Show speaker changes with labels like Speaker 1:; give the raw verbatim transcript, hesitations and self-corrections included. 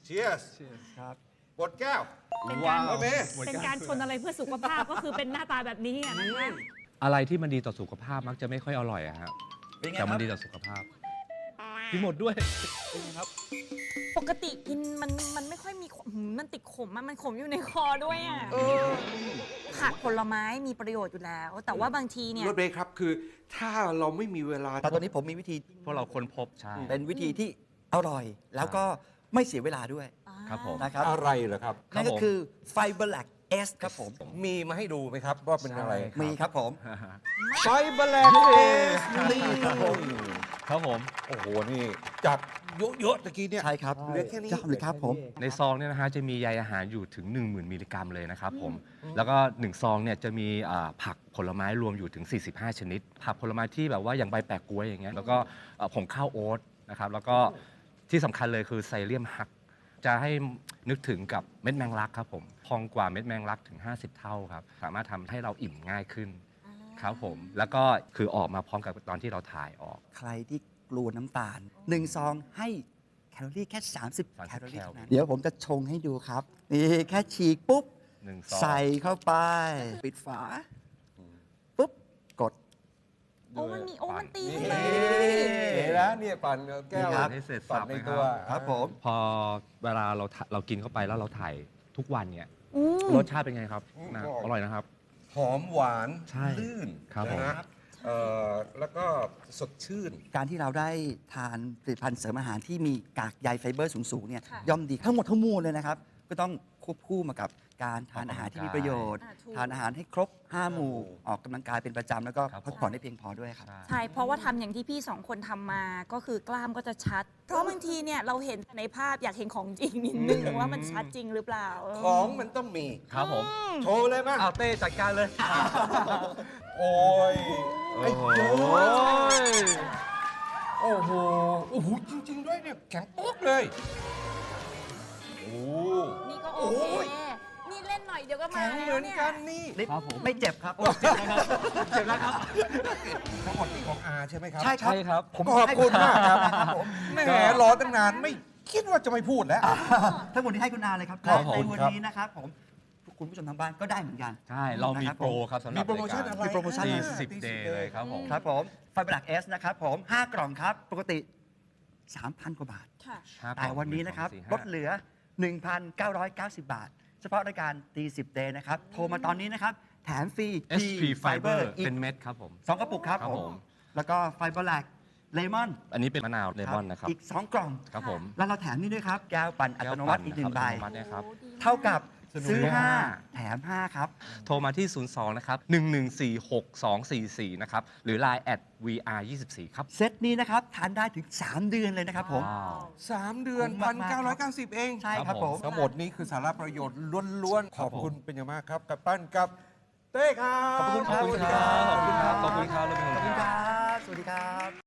Speaker 1: Cheers
Speaker 2: ครับ
Speaker 1: บดแก้ว
Speaker 3: เป็นการ
Speaker 1: โอเค
Speaker 3: เป็นการชนอะไรเพื่อสุขภาพก็คือเป็นหน้าตาแบบนี้อะนะคะ
Speaker 4: อะไรที่มันดีต่อสุขภาพมักจะไม่ค่อยอร่อยอะครับ
Speaker 2: เป็นไงค
Speaker 4: แต่
Speaker 2: รับ
Speaker 4: มันดีต่อสุขภาพกินหมดด้วย
Speaker 2: เป็นไงครับ
Speaker 5: ปกติกินมันมันไม่ค่อยมีขมหืมมันติดขมอะมันขมอยู่ในคอด้วยอ่ะผักผลไม้มีประโยชน์อยู่แล้ว แต่ว่าบางทีเนี่ย
Speaker 1: รถเบรกครับคือถ้าเราไม่มีเวลา
Speaker 2: แต่ตอนนี้ผมมีวิธี
Speaker 4: พวกเราค้นพบใช่
Speaker 2: เป็นวิธีที่อร่อย แล้วก็ไม่เสียเวลาด้วย
Speaker 4: ครับผม
Speaker 2: นะครับ
Speaker 1: อะไรเหรอครับ
Speaker 4: ครับ
Speaker 2: นั่นก็
Speaker 4: ผม
Speaker 2: คือไฟเบอร์แลกเอสครับผม
Speaker 1: มีมาให้ดูไหมครับว่าเป็นอะไร
Speaker 4: ใช่
Speaker 2: มีครับผม
Speaker 1: ไฟเบอร์แลนด์เอสนี่ครับผม
Speaker 4: ครับผม
Speaker 1: โอ้โห นี่จากเยอะๆตะกี้เนี่ย
Speaker 2: ใช่ครับ
Speaker 1: เหลือแค่นี้
Speaker 2: จ้าเลยครับผม
Speaker 4: ในซองเนี่ยนะฮะจะมีใยอาหารอยู่ถึง หนึ่งหมื่น มิลลิกรัมเลยนะครับผม แล้วก็หนึ่งซองเนี่ยจะมีอ่าผักผลไม้รวมอยู่ถึง สี่สิบห้า ชนิด ผักผลไม้ที่แบบว่าอย่างใบแปะก๊วยอย่างเงี้ย แล้วก็เอ่อผงข้าวโอ๊ตนะครับ แล้วก็ที่สำคัญเลยคือไซเลียมฮัก จะให้นึกถึงกับเม็ดแมงลักครับผม พองกว่าเม็ดแมงลักถึง ห้าสิบ เท่าครับ สามารถทำให้เราอิ่มง่ายขึ้นครับผม แล้วก็คือออกมาพร้อมกับตอนที่เราถ่ายออก
Speaker 2: ใครที่กลัวน้ำตาลหนึ่งซองให้แคลอรี่แค่ สามสิบ
Speaker 4: สามสิบ
Speaker 2: แคลอรี่
Speaker 4: แคล
Speaker 2: เท่านั้นเดี๋ยวผมจะชงให้ดูครับ นี่แค่ฉีกปุ๊บ
Speaker 4: หนึ่งซอง
Speaker 2: ใส่เข้าไป ปิดฝา ปุ๊บ กด
Speaker 5: โอ้มันมีโอ้มันตี
Speaker 1: นี่
Speaker 5: ขึ้นมา
Speaker 1: เห็นแล้วเนี่ยปั่นแก้ว
Speaker 2: นี่ครับ
Speaker 4: ให้เสร็จ
Speaker 1: ปั่
Speaker 4: สั
Speaker 1: น
Speaker 4: บ
Speaker 1: ใน
Speaker 4: นะค
Speaker 1: ตัว
Speaker 4: รับ
Speaker 2: ครับผม
Speaker 4: พอเวลาเราถ่าเรากินเข้าไปแล้วเราถ่ายทุกวันเนี่ย
Speaker 5: อืม
Speaker 4: รสชาติเป็นไงครับนะอร่อยนะครับ
Speaker 1: หอมหวาน
Speaker 4: ใช่
Speaker 1: ลื่น
Speaker 4: ครับผม
Speaker 1: นะฮะเอ่อแล้วก็สดชื่น
Speaker 2: การที่เราได้ทานผลิตภัณฑ์เสริมอาหารที่มีกากใยไฟเบอร์สูงๆเนี่ย
Speaker 5: ค่ะ
Speaker 2: ย่อมดีทั้งหมดทั้งมวลเลยนะครับ ก็ต้องควบคู่มากับการทานอาหารที่มีประโยชน์
Speaker 5: อ่าถูก
Speaker 2: ทานอาหารให้ครบ ห้า หมู่
Speaker 1: หมู่
Speaker 2: ออกกำลังกายเป็นประจำแล้วก็
Speaker 4: ครับ
Speaker 2: พักผ่อนได้เพียงพอด้วยครับ
Speaker 5: ใช่ เพราะว่าทำอย่างที่พี่สองคนทำมา ก็คือกล้ามก็จะชัด เพราะบางทีเนี่ยเราเห็นในภาพอยากเห็นของจริงนิดนึงว่ามันชัดจริงหรือเปล่าเออ
Speaker 1: ของมันต้องมี
Speaker 4: ครับผม
Speaker 1: โชว์เลยมั้ย
Speaker 4: เอาเต้จัดการเลย
Speaker 1: โอ้ยไอ้เจ้ยโอ้โห โอ้โห จริง ๆ ด้วยเนี่ย แข็งปุ๊กเลย โอ้
Speaker 5: นี่ก็โอ
Speaker 1: โอ้
Speaker 5: เค
Speaker 1: ย
Speaker 5: นี่เล่นหน่อยเดี๋ยวก็มา
Speaker 1: แข็ง
Speaker 5: แล้ว
Speaker 1: เหมือน
Speaker 5: เนี่ย
Speaker 1: กันนี่
Speaker 4: ครับผม
Speaker 2: ไม่เจ็บครับ เจ็บแล้วครับเจ็บแล้วครับ
Speaker 1: ทั้งหมดนี่ของอาใช่ไหมครับ
Speaker 2: ใช่ครับ
Speaker 4: ใช่ครับ
Speaker 2: ผม
Speaker 1: ขอบคุณมากครับ
Speaker 2: ครับผม
Speaker 1: แหมรอตั้งนานไม่คิดว่าจะไม่พูดแล้ว
Speaker 2: ทั้งหมดนี้ให้คุณอาเลยครับ
Speaker 4: ครับ
Speaker 2: และใน
Speaker 4: ผม
Speaker 2: วันนี้นะครับผมคุณผู้ชมทางบ้านก็ได้เหมือนกัน
Speaker 4: ใช่ เรามี
Speaker 2: นะครับ
Speaker 4: โปรครับสำหรับ
Speaker 1: มีโปรโมชั่นอะไร
Speaker 2: มีโปรโมชั่น
Speaker 4: สี่
Speaker 2: อะไร
Speaker 4: สิบเดย์เลยครับผม
Speaker 2: ครับผมไฟเบอร์หลักเอสนะครับผมห้ากล่องครับ ปกติ สามพัน กว่าบาท
Speaker 5: ค่ะ
Speaker 4: ห้ากล่
Speaker 2: แต่
Speaker 4: อง
Speaker 2: วันนี้นะครับ
Speaker 4: หง
Speaker 2: ล
Speaker 4: สอง
Speaker 2: ด
Speaker 4: สี่
Speaker 2: เหลือ หนึ่งพันเก้าร้อยเก้าสิบ บาท เฉพาะรายการตีสิบเดย์นะครับ โทรมาตอนนี้นะครับ แถมฟรี
Speaker 4: ห้า เอส พี Fiber
Speaker 2: อีก
Speaker 4: เป็นเม็ดครับผม
Speaker 2: สองกระปุกครับ
Speaker 4: ครับ
Speaker 2: ผ
Speaker 4: ผม ม
Speaker 2: แล้วก็ไฟเบอร์หลักเลมอน
Speaker 4: อันนี้เป็นมะนาวเลมอนนะครับ
Speaker 2: อีก สอง กล่อง
Speaker 4: ครับผม
Speaker 2: แล้วเราแถมนี่ด้วยครับ แก้วปั่นอัตโนมัติอีกหนึ่งใบ
Speaker 4: แก้วปั่นนะครับอัตโนมัติเนี่ยครับ
Speaker 2: เท่ากับ
Speaker 4: สนุก
Speaker 2: ซื้อ
Speaker 4: มาก
Speaker 2: ห้า แถม ห้า ครับ
Speaker 4: โทรมาที่ ศูนย์ สอง นะครับ หนึ่ง หนึ่ง สี่ หก สอง สี่ สี่ นะครับ หรือ ไลน์ แอท วี อาร์ ยี่สิบสี่ ครับ
Speaker 2: เซตนี้นะครับ ทานได้ถึง สาม เดือนเลยนะครับผม
Speaker 4: ว้าว
Speaker 1: สามเดือน
Speaker 2: คุ้ม
Speaker 1: พั
Speaker 2: มาน กๆ
Speaker 1: เก้าร้อยเก้าสิบเอง
Speaker 2: ใช่ค
Speaker 4: ครั
Speaker 2: รับบ ผ
Speaker 4: ผม ม
Speaker 1: ทั้งหมดนี้คือสาระประโยชน์ล้วนๆ ข
Speaker 4: ครั
Speaker 1: อ
Speaker 4: บบ ผม
Speaker 1: คุณเป็นอย่างมากครับ กับปั้นกับเต้ครับ
Speaker 2: ขอบคุณ
Speaker 4: ขอบคุณครับ ขอบคุณครับ ขอบคุณครับ
Speaker 2: ขอบคุณครับ สวัสดีครับ